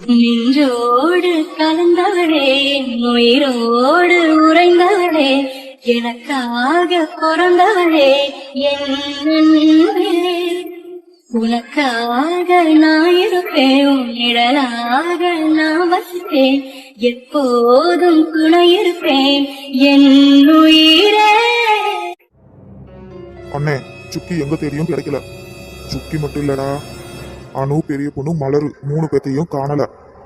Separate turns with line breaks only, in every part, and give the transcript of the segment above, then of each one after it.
நின்றோடு கலந்தவளே, உயிரோடு உறைந்தவளே, எனக்காக பிறந்தவளே, என் அன்பே. உனக்காக நான் இருப்பேன், உன் நிழலாக நான் வசிப்பேன், எப்போதும் துணை இருப்பேன் என் உயிரே.
அண்ணே, சுக்கி எங்க தேடியும் கிடைக்கல. சுக்கி மட்டும் இல்லடா, அனு, பெரிய பொண்ணு மலரு 3 பேத்தையும் காணல.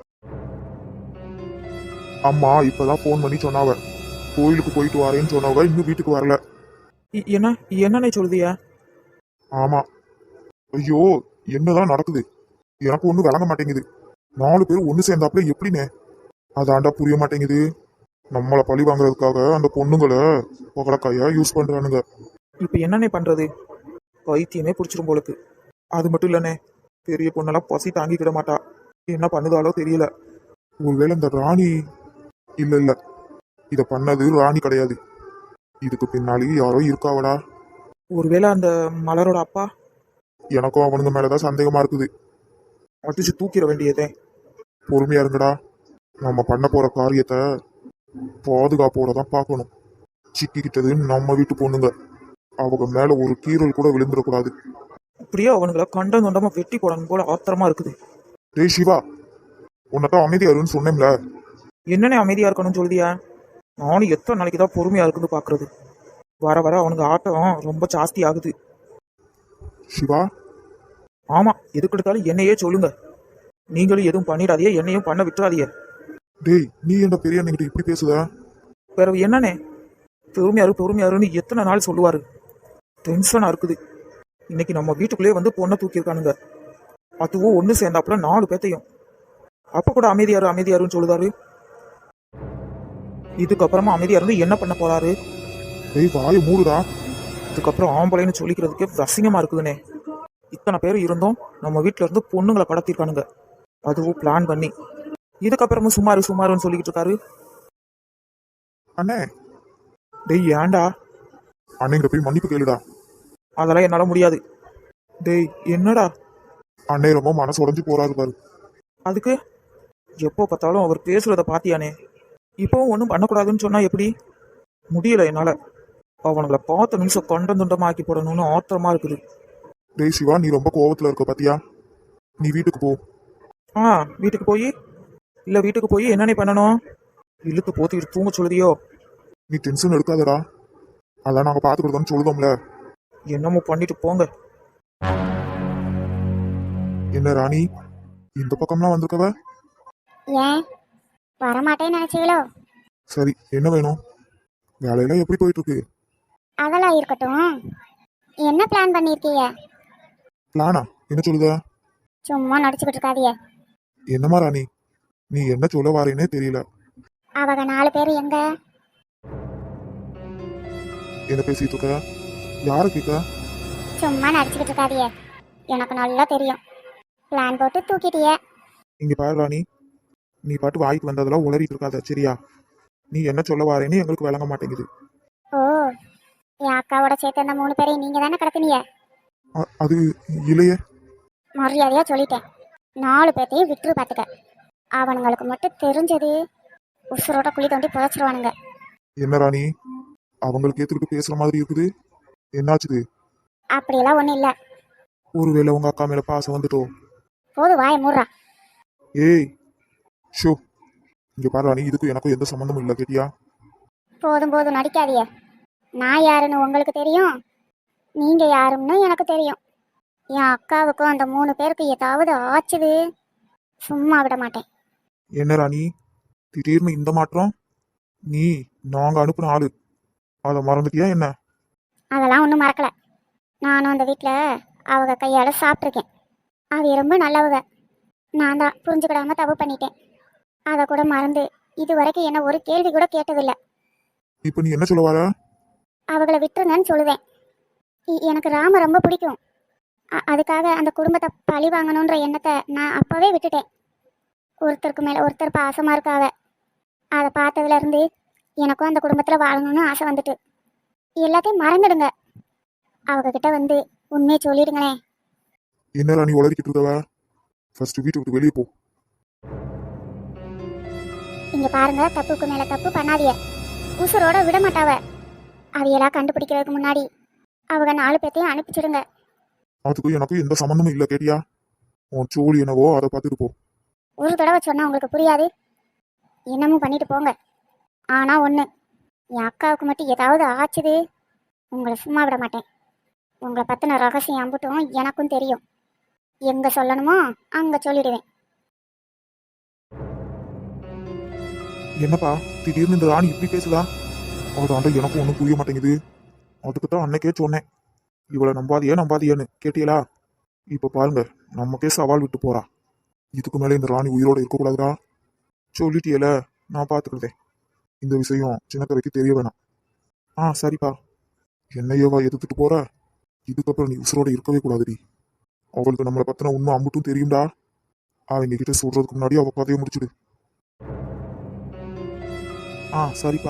அம்மா இப்பதான் போன் பண்ணி சொன்னாவ, கோயிலுக்கு போயிட்டு வரேன்னு சொன்னவங்க இன்னும் வீட்டுக்கு வரல.
என்னன்னு சொல்லுதியா?
ஆமா. ஐயோ, என்னதான் நடக்குது எனக்கு ஒண்ணும் விளங்க மாட்டேங்குது. 4 பேர் ஒண்ணு சேர்ந்தாப்புல எப்படினே அதாண்டா புரிய மாட்டேங்குது. நம்மளை பழி வாங்குறதுக்காக அந்த பொண்ணுங்களை பகடக்காயா யூஸ் பண்றானுங்க.
இப்ப என்னண்ணே பண்றது? பைத்தியமே பிடிச்சிரும் போலுக்கு. அது மட்டும் இல்லண்ணே, பெரிய பொண்ணெல்லாம் பசி தாங்கிக்கிட மாட்டா. என்ன பண்ணுதாலோ தெரியல.
ஒருவேளை இந்த ராணி இல்ல இத பண்ணது ராணி கிடையாது, இதுக்கு பின்னாடி யாரோ இருக்காவடா.
ஒருவேளை அந்த மலரோட அப்பா?
எனக்கும் அவனுங்க மேலதான் சந்தேகமா இருக்குது.
அடிச்சு தூக்கிட வேண்டியதே.
பொறுமையா இருங்கடா, நம்ம பண்ண போற காரியத்தை பாதுகாப்போட தான் பார்க்கணும். சிக்கிக்கிட்டது நம்ம வீட்டு பொண்ணுங்க, அவங்க மேல ஒரு கீறல் கூட விழுந்துடக்கூடாது.
அப்படியே அவனுங்களை கண்டம் தொண்டமா வெட்டி போடணும் போல ஆத்திரமா இருக்குது.
டேய் சிவா, உன்னதான் அமைதியா இருன்னு சொன்னேன்ல.
என்னன்னே அமைதியா இருக்கணும்னு சொல்லுதியா? நானும் எத்தனை நாளைக்கு தான் பொறுமையா இருக்குன்னு பாக்குறது. வர வர அவனுங்க ஆட்டம் ரொம்ப ஜாஸ்தி ஆகுது.
சிவா,
ஆமா, எதுக்கு எடுத்தாலும் என்னையே சொல்லுங்க. நீங்களும் எதுவும் பண்ணிடாதீங்க, என்னையும் பண்ண விட்டுறாதீங்க.
டேய் நீ என்ன பெரிய அண்ணங்கிட்ட இப்படி பேசுத?
வேற என்னன்னே, பொறுமையாருன்னு எத்தனை நாள் சொல்லுவாரு? டென்ஷனா இருக்குது. இன்னைக்கு நம்ம வீட்டுக்குள்ளேயே வந்து பொண்ணை தூக்கியிருக்கானுங்க, அதுவும் ஒன்று சேர்ந்தாப்புல 4 பேத்தையும். அப்ப கூட அமைதியாருன்னு சொல்லுதாரு. இதுக்கப்புறமா அமைதியா இருந்து என்ன பண்ண போறாரு?
டேய் வாயை மூடுடா.
இதுக்கப்புறம் ஆம்பளைன்னு சொல்லிக்கிறதுக்கே அசிங்கமா இருக்குதுனே. இத்தனை பேர் இருந்தும் நம்ம வீட்டுல இருந்து பொண்ணுங்களை கடத்திருக்கானுங்க, அதுவும் பிளான் பண்ணி. இதுக்கப்புறமும் சுமாருன்னு சொல்லிக்கிட்டு இருக்காரு.
அண்ணே,
டேய் ஏன்டா?
அண்ணங்கிட்ட போய் மன்னிப்பு கேளுடா.
அதெல்லாம் என்னால முடியாது. டேய் என்னடா?
அண்ணே ரொம்ப மனசு உடைஞ்சு போறாரு பாரு.
அதுக்கு எப்போ பார்த்தாலும் அவர் பேசுறத பாத்தியானே. இப்போவும் ஒன்றும் பண்ணக்கூடாதுன்னு சொன்னா எப்படி? முடியல என்னால. அவனுங்களை பார்த்த நிமிஷம் கண்டம் துண்டமா ஆக்கி போடணும்னு ஆத்திரமா இருக்குது.
டேய் சிவா, நீ ரொம்ப கோவத்துல இருக்க பாத்தியா? நீ வீட்டுக்கு போ. வீட்டுக்கு போய் என்னென்ன பண்ணணும்? இழுத்து போத்திட்டு தூங்க சொல்லுதியோ? நீ டென்ஷன் எடுக்காதடா, அதான் நாங்க பாத்துக்கிட்டோம்னு சொல்லுதோம்ல.
என்னமோ பண்ணிட்டு போங்க.
என்ன ராணி, இந்த பக்கம்லாம் வந்திருக்கவ?
ஏன் வரமாட்டேன்னு நினைச்சீங்களோ?
சரி, என்ன வேணும்? வேலையெல்லாம் எப்படி போயிட்டு இருக்கு?
அதெல்லாம் இருக்கட்டும், என்ன பிளான் பண்ணிருக்கீங்க?
பிளானா? என்ன சொல்லுத?
சும்மா நடிச்சுக்கிட்டு இருக்காதீங்க.
என்னமா ராணி, நீ என்ன சொல்ல வாரேனே தெரியல.
அவங்க 4 பேர் எங்க?
என்ன பேசிட்டு இருக்க? யாரு கேட்க?
சும்மா நடிச்சுக்கிட்டு இருக்காதீங்க, எனக்கு நல்லா தெரியும். பிளான் போட்டு தூக்கிட்டிய.
இங்க பாரு ராணி, நீ பாட்டு வாய்க்கு வந்ததெல்லாம் உளறிட்டு இருக்காத, சரியா? நீ என்ன சொல்ல வாரேன்னு எங்களுக்கு விளங்க மாட்டேங்குது.
ஓ, என் அக்காவோட சேர்த்து அந்த 3 பேரையும் நீங்க தானே கடத்தினீங்க?
அது இல்லையே.
மரியாதையா சொல்லிட்டேன், 4 பேர்த்தையும் விட்டுரு பார்த்துக்க. அவனுங்களுக்கு மட்டும் தெரிஞ்சது உசுரோட குழி தோண்டி புதைச்சிருவானுங்க.
என்ன ராணி, அவங்களுக்கு ஏத்துக்கிட்டு பேசுற மாதிரி இருக்குது, என்னாச்சுது?
அப்படியெல்லாம் ஒன்றும் இல்லை.
ஒருவேளை உங்க அக்கா மேல பாசம் வந்துட்டோ?
போது வாய மூடுறா.
ஏய் ஷோ, இங்க பாரு ராணி, இதுக்கு எனக்கும் எந்த சம்மந்தமும் இல்லை, கேட்டியா?
போதும் நடிக்காதீங்க. நான் யாருன்னு உங்களுக்கு தெரியும், நீங்க யாருன்னு எனக்கு தெரியும். என் அக்காவுக்கும் அந்த 3 பேருக்கு ஏதாவது ஆச்சுது சும்மா விட மாட்டேன்.
என்ன ராணி, திடீர்னு இந்த மாற்றம்? நீ நாங்க அனுப்புன ஆளு, அதை மறந்துட்டியா என்ன?
அதெல்லாம் ஒன்றும் மறக்கல. நானும் அந்த வீட்டில் அவங்க கையால் சாப்பிட்ருக்கேன். அவ ரொம்ப நல்லவங்க. நான் தான் புரிஞ்சுக்கிடாம தப்பு பண்ணிட்டேன். அதை கூட மறந்து இது வரைக்கும் என்ன ஒரு கேள்வி கூட கேட்டதில்லை.
இப்போ நீ என்ன சொல்ல வர?
அவங்கள விட்டுருங்கன்னு சொல்லுவேன். எனக்கு ராம ரொம்ப பிடிக்கும். அதுக்காக அந்த குடும்பத்தை பழி வாங்கணுன்ற எண்ணத்தை நான் அப்போவே விட்டுட்டேன். ஒருத்தருக்கு மேலே ஒருத்தர் பாசமாக இருக்காவ. அதை பார்த்ததுலேருந்து எனக்கும் அந்த குடும்பத்தில் வாழணும்னு ஆசை வந்துட்டு. எல்லாத்தையும் மறந்துடுங்க. அவங்கக்கிட்ட வந்து உண்மையை சொல்லிடுங்களேன்.
என்ன ராணி உளறிக்கிட்டு இருக்கவ? ஃபர்ஸ்ட் வீட்டு விட்டு வெளியே போ.
இங்க பாருங்க, தப்புக்கு மேல தப்பு பண்ணாதீங்க. உசுரோட விட மாட்டாவ. அவையெல்லாம் கண்டுபிடிக்கிறதுக்கு முன்னாடி அவங்க 4 பேத்தையும் அனுப்பிச்சிடுங்க.
அதுக்கு எனக்கு எந்த சம்மந்தமும் இல்லை கேட்டியா? உன் சோழி என்னவோ அதை பார்த்துட்டு போ.
ஒரு தடவை சொன்னா உங்களுக்கு புரியாது. என்னமும் பண்ணிட்டு போங்க. ஆனா ஒண்ணு, என் அக்காவுக்கு மட்டும் ஏதாவது ஆச்சுது, உங்களை சும்மா விட மாட்டேன். உங்களை பத்தின ரகசியம் அம்புட்டும் எனக்கும் தெரியும். எங்க சொல்லணுமோ அங்க சொல்லிடுவேன்.
என்னப்பா திடீர்னு இந்த ராணி இப்படி பேசுதா? அதாண்ட எனக்கும் ஒன்றும் புரிய மாட்டேங்குது. அதுக்கு தான் அன்னைக்கே சொன்னேன், இவளை நம்பாதியேன்னு கேட்டீங்களா? இப்போ பாருங்க, நமக்கே சவால் விட்டு போறா. இதுக்கு மேலே இந்த ராணி உயிரோட இருக்கக்கூடாதுடா. சொல்லிட்டியல, நான் பார்த்துக்கிட்டேன். இந்த விஷயம் சின்னக்கரைக்கு தெரிய வேணாம். சரிப்பா. என்னையவா எதிர்த்துட்டு போற? இதுக்கப்புறம் நீ உசுரோட இருக்கவே கூடாதுடி. அவளுக்கு நம்மளை பத்தின உண்மை அம்புட்டும் தெரியும்டா. அவங்க கிட்ட சொல்றதுக்கு முன்னாடி அவ கதையை முடிச்சுடு. சரிப்பா.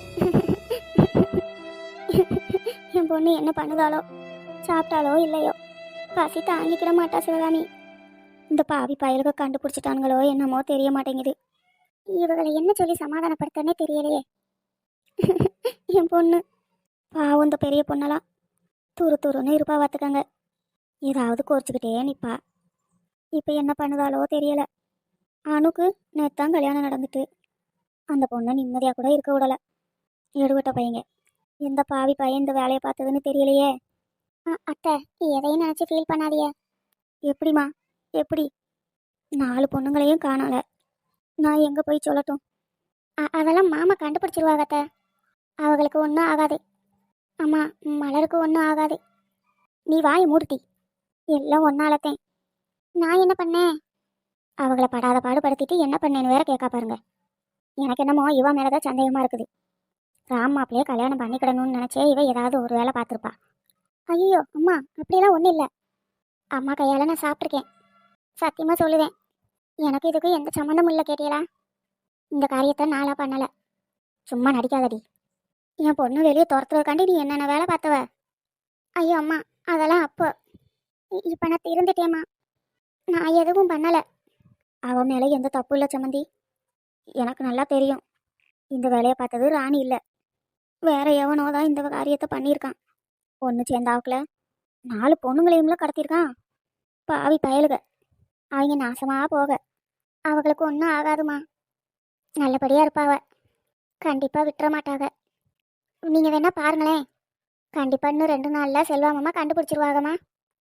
என் பொண்ணு என்ன பண்ணுதாலோ, சாப்பிட்டாலோ இல்லையோ, பசி தாங்கிக்கிட மாட்டா சிவகாமி. இந்த பாவி பயலுக கண்டுபிடிச்சிட்டானுங்களோ என்னமோ தெரிய மாட்டேங்குது. இவங்களை என்ன சொல்லி சமாதானப்படுத்தனே தெரியலையே. என் பொண்ணு பாவம், இந்த பெரிய பொண்ணெல்லாம் துருன்னு இருப்பா பார்த்துக்கங்க. ஏதாவது குறைச்சிக்கிட்டே நிற்பா. இப்போ என்ன பண்ணுதாலோ தெரியல. அணுக்கு நேத்தான் கல்யாணம் நடந்துட்டு அந்த பொண்ணை நிம்மதியாக கூட இருக்க விடலை. எடுவட்ட பையங்க. எந்த பாவி பையன் இந்த வேலையை பார்த்ததுன்னு தெரியலையே. அத்தை, எதையும் நினச்சி ஃபீல் பண்ணாதிய. எப்படிம்மா? எப்படி? 4 பொண்ணுங்களையும் காணல. நான் எங்கே போய் சொல்லட்டும்? அதெல்லாம் மாமா கண்டுபிடிச்சிருவாங்க அத்தை. அவங்களுக்கு ஒன்றும் ஆகாது. அம்மா, மலருக்கு ஒன்றும் ஆகாது. நீ வாயை மூடுட்டி. எல்லாம் ஒன்னாலத்தேன். நான் என்ன பண்ணேன்? அவங்கள படாத பாடுபடுத்திட்டு என்ன பண்ணேன்னு வேற கேட்கா பாருங்க. எனக்கு என்னமோ இவ மேலதான் சந்தேகமா இருக்குது. ராம் மாப்பிளையே கல்யாணம் பண்ணிக்கிடணும்னு நினைச்சே இவ ஏதாவது ஒரு வேலை பார்த்துருப்பா. ஐயோ அம்மா, அப்படியெல்லாம் ஒன்றும் இல்லை. அம்மா கையால் நான் சாப்பிட்ருக்கேன். சத்தியமாக சொல்லுவேன், எனக்கு இதுக்கு எந்த சம்மந்தமும் இல்லை. கேட்டீங்களா? இந்த காரியத்தை நாளாக பண்ணலை. சும்மா நடிக்காதடி. என் பொண்ணு வெளியே துரத்துறதுக்காண்டி நீ என்னென்ன வேலை பார்த்தவ? ஐயோ அம்மா, அதெல்லாம் அப்போ. இப்போ நான் திருந்துட்டேம்மா. நான் எதுவும் பண்ணலை. அவன் மேலே எந்த தப்பு இல்லை சம்மந்தி. எனக்கு நல்லா தெரியும், இந்த வேலையை பார்த்தது ராணி இல்லை, வேற எவனோ தான் இந்த காரியத்தை பண்ணியிருக்கான். ஒன்று சேர்ந்தாவுக்குல 4 பொண்ணுங்களையும்ல கடத்தியிருக்கான். பாவி பயலுக. அவங்க நாசமாக போக. அவங்களுக்கு ஒன்றும் ஆகாதுமா. நல்லபடியாக இருப்பாவ. கண்டிப்பாக விட்டுற மாட்டாங்க. நீங்கள் வேணா பாருங்களேன். கண்டிப்பாக இன்னும் 2 நாளில் செல்வாமம்மா கண்டுபிடிச்சிருவாங்கம்மா.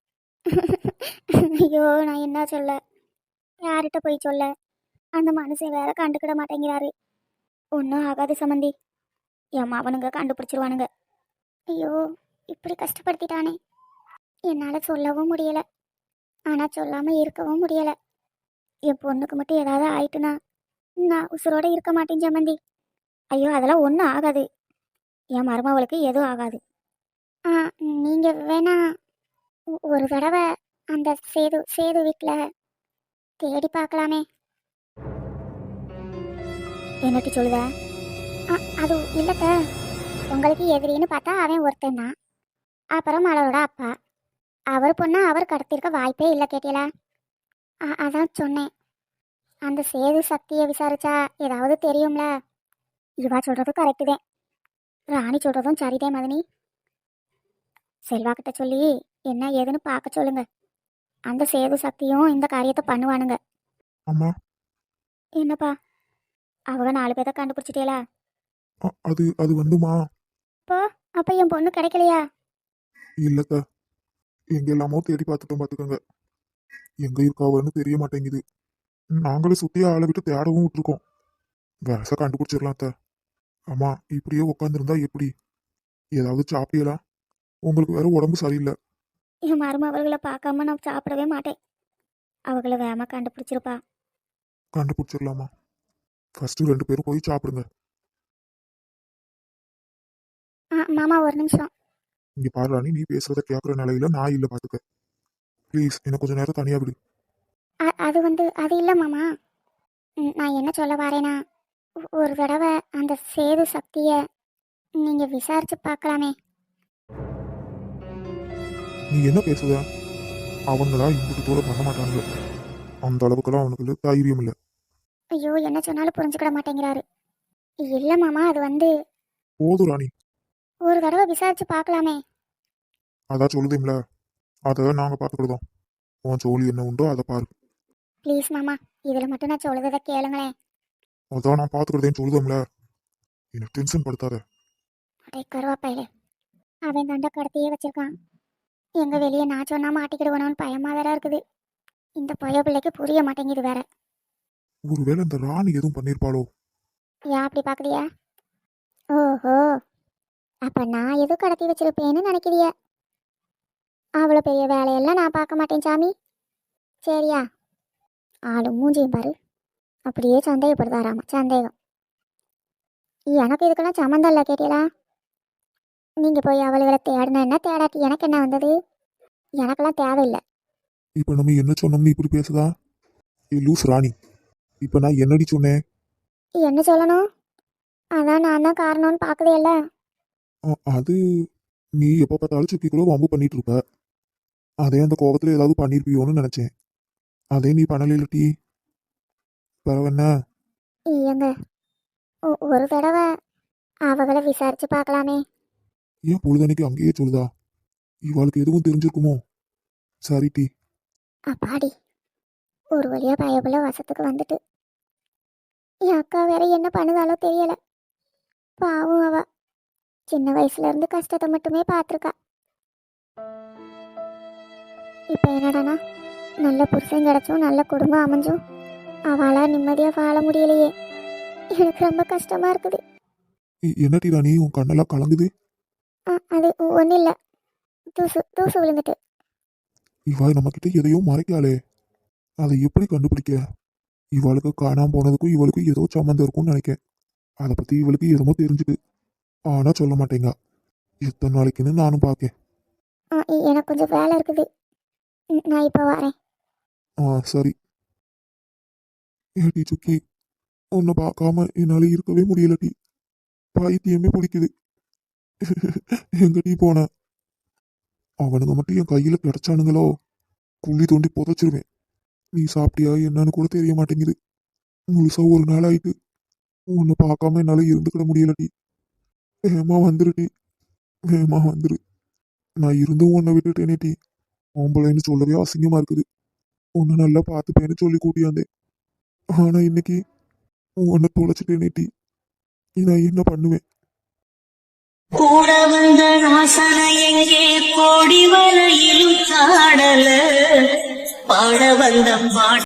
ஐயோ, நான் என்ன சொல்ல? யார்கிட்ட போய் சொல்ல? அந்த மனுஷன் வேற கண்டுக்கிட மாட்டேங்கிறாரு. ஒன்றும் ஆகாது சம்மந்தி. என் அவனுங்க கண்டுபிடிச்சிருவானுங்க. ஐயோ, இப்படி கஷ்டப்படுத்திட்டானே. என்னால் சொல்லவும் முடியலை, ஆனால் சொல்லாமல் இருக்கவும் முடியலை. என் பொண்ணுக்கு மட்டும் ஏதாவது ஆயிட்டுனா நான் உசுரோட இருக்க மாட்டேன் சம்மந்தி. ஐயோ, அதெல்லாம் ஒன்றும் ஆகாது. என் மருமவளுக்கு எதுவும் ஆகாது. நீங்கள் வேணா ஒரு தடவை அந்த சேது வீட்டில் தேடி பார்க்கலாமே. என்னட்டு சொல்லுத? அது இல்லைத்த, உங்களுக்கு எதிரின்னு பார்த்தா அவன் ஒருத்தன் தான். அப்புறம் மலரோட அப்பா. அவர் பொண்ணா அவர் கடத்திருக்க வாய்ப்பே இல்லை. கேட்டீங்களா? அதான் சொன்னேன். அந்த சேது சக்தியை விசாரிச்சா ஏதாவது தெரியும்ல. இவா சொல்கிறதும் கரெக்டு தான், ராணி சொல்கிறதும் சரிதே மதனி. செல்வாக்கிட்ட சொல்லி என்ன ஏதுன்னு பார்க்க சொல்லுங்க. அந்த சேது சக்தியும் இந்த காரியத்தை பண்ணுவானுங்க.
அம்மா.
என்னப்பா? அவங்க 4 பேரை கண்டுபிடிச்சிட்டேலா?
அது வந்துமா.
அப்போ என் பொண்ணு கிடைக்கலையா?
இல்லக்க, எங்க எல்லாமோ தேடி பார்த்துட்டோம் பார்த்துக்கோங்க. எங்க இருக்காவன்னு தெரிய மாட்டேங்குது. நாங்களும் சுத்தி ஆளை விட்டு தேடவும் விட்டுருக்கோம். வேச கண்டுபிடிச்சிடலாம் அத்த. அம்மா, இப்படியே உட்காந்துருந்தா எப்படி? ஏதாவது சாப்பிடலாம்? உங்களுக்கு வேற உடம்பு சரியில்லை.
என் மருமவர்களை பார்க்காம நான் சாப்பிடவே மாட்டேன். அவங்கள வேகமா கண்டுபிடிச்சிருப்பா.
கண்டுபிடிச்சிடலாமா? ஃபர்ஸ்ட் 2 பேரும் போய் சாப்பிடுங்க.
மாமா, ஒரு நிமிஷம்.
இங்க பாரு ராணி, நீ பேசுறத கேட்குற நிலையில நான் இல்லை பார்த்துக்க. ப்ளீஸ், எனக்கு கொஞ்சம் நேரம் தனியா விடு.
அது இல்லை மாமா. நான் என்ன சொல்ல வரேனா, ஒரு தடவை அந்த சேது சக்தியை நீங்கள் விசாரிச்சு பார்க்கலாமே.
நீ என்ன பேசுத? அவங்களா இம்புட்டு தூரம் பண்ண மாட்டாங்க. அந்த அளவுக்குலாம் அவனுக்கு தைரியம் இல்லை.
ஐயோ என்ன சொன்னாலும் புரிஞ்சுக்கிட மாட்டேங்கிறாரு. இல்ல மாமா, அது வந்து
போதும் ராணி.
ஒரு தடவை விசாரிச்சு பார்க்கலாமே.
அதான் சொல்லுதேம்ல, அதை நாங்க பார்த்துக்கிடுதோம். உன் ஜோலி என்ன உண்டோ அதை பாரு.
ப்ளீஸ் மாமா, இதுல மட்டும் நான் சொல்லுறத கேளுங்களேன்.
அதான் நான் பார்த்துக்கிட்டேன்னு சொல்லுதோம்ல, எனக்கு டென்ஷன் படுத்தாத.
அடே கருவாப்பையிலே, அவன் தண்டை கடத்தியே வச்சிருக்கான். எங்க வெளியே நான் சொன்னா மாட்டிக்கிடுவனோன்னு பயமா வேற இருக்குது. இந்த பய பிள்ளைக்கு புரிய மாட்டேங்குது வேற.
ஒருவேளை இந்த ராணி எதுவும் பண்ணியிருப்பாளோ?
ஏன் அப்படி பாக்குறியா? ஓஹோ, அப்ப நான் எதுவும் கடத்தி வச்சிருப்பேன்னு நினைக்கிறிய? அவ்வளோ பெரிய வேலையெல்லாம் நான் பார்க்க மாட்டேன் சாமி. சரியா? ஆளு மூஞ்சியும் பாரு, அப்படியே சந்தேகப்படுதாராமா. சந்தேகம். எனக்கு இதுக்கெல்லாம் சம்மந்தம் இல்லை கேட்டீங்களா? நீங்க போய் அவளுகளை தேடினா என்ன, தேடாட்டி எனக்கு என்ன வந்தது? எனக்கெல்லாம் தேவையில்லை.
இப்ப நம்ம என்ன சொன்னோம்னு இப்படி பேசுதா? ஏ லூஸ் ராணி, இப்ப நான் என்னடி சொன்னேன்?
என்ன சொல்லணும்? அதான் நான் தான் காரணம்னு பார்க்கவே இல்லை.
அது நீ எப்போ பார்த்தாலும் சுக்கிக்குள்ள வம்பு பண்ணிட்டு இருப்ப. அதே அந்த கோபத்துல ஏதாவது பண்ணிருப்பியோன்னு நினைச்சேன். அதே நீ பண்ணல டீ. பரவாயில்ல.
ஏங்க, ஒரு தடவை அவகளை விசாரிச்சு பார்க்கலாமே.
ஏன் பொழுதனைக்கு அங்கேயே சொல்லுதா? இவாளுக்கு எதுவும் தெரிஞ்சிருக்குமோ? சரி டீ.
அப்பாடி, ஒரு வழியா பயபுல வசத்துக்கு வந்துட்டு. என் அக்கா வேற என்ன பண்ணுதாலோ தெரியல. பாவம் அவ சின்ன வயசுல இருந்து கஷ்டத்தை மட்டுமே பார்த்துருக்கா. இப்ப என்னடானா, நல்ல புருஷன் கிடைச்சும் நல்ல குடும்பம் அமைஞ்சும் அவளா நிம்மதியா வாழ முடியலையே. எனக்கு ரொம்ப கஷ்டமா இருக்குது.
என்ன டீ ராணி, உன் கண்ணெல்லாம் கலங்குது?
அது ஒன்றும் இல்லை, தூசு தூசு விழுந்துட்டு.
இவா நம்ம கிட்ட எதையோ மறைக்காளே, அதை எப்படி கண்டுபிடிக்க? இவளுக்கு காணாம போனதுக்கும் இவளுக்கும் ஏதோ சம்மந்தம் இருக்கும்னு நினைக்கேன். அதை பத்தி இவளுக்கு எதுமோ தெரிஞ்சுது, ஆனா சொல்ல மாட்டேங்க. எத்தனை நாளைக்குன்னு நானும் பார்க்கேன்.
எனக்கு கொஞ்சம் வேலை இருக்குது, நான் இப்போ வரேன்.
சரி. ஏடி சுக்கி, உன்னை பார்க்காம என்னால இருக்கவே முடியல டி. பைத்தியமே பிடிக்குது. எங்கடி போன? அவனுங்க மட்டும் என் கையில கிடைச்சானுங்களோ, குழி தோண்டி புதைச்சிருவேன். நீ சாப்பிட்டியா என்னன்னு கூட தெரிய மாட்டேங்குது. முழுசா ஒரு நாள் ஆயிட்டு. உன்னை பார்க்காம என்னால இருந்துக்கிட முடியலடி. வேகமா வந்துருடி, வேகமா வந்துரு. நான் இருந்தும் உன்னை விட்டுட்டேனே டி. ஆம்பளைன்னு சொல்லவே அசிங்கமா இருக்குது. உன்னை நல்லா பார்த்துப்பேன்னு சொல்லி கூட்டியாந்தேன். ஆனா இன்னைக்கு உன்னை தொலைச்சிட்டேனே டி. நான் என்ன பண்ணுவேன்?
கூட வந்த ராசனை எங்கே கோடி வரையிலும் சாடல பாட வந்த பாட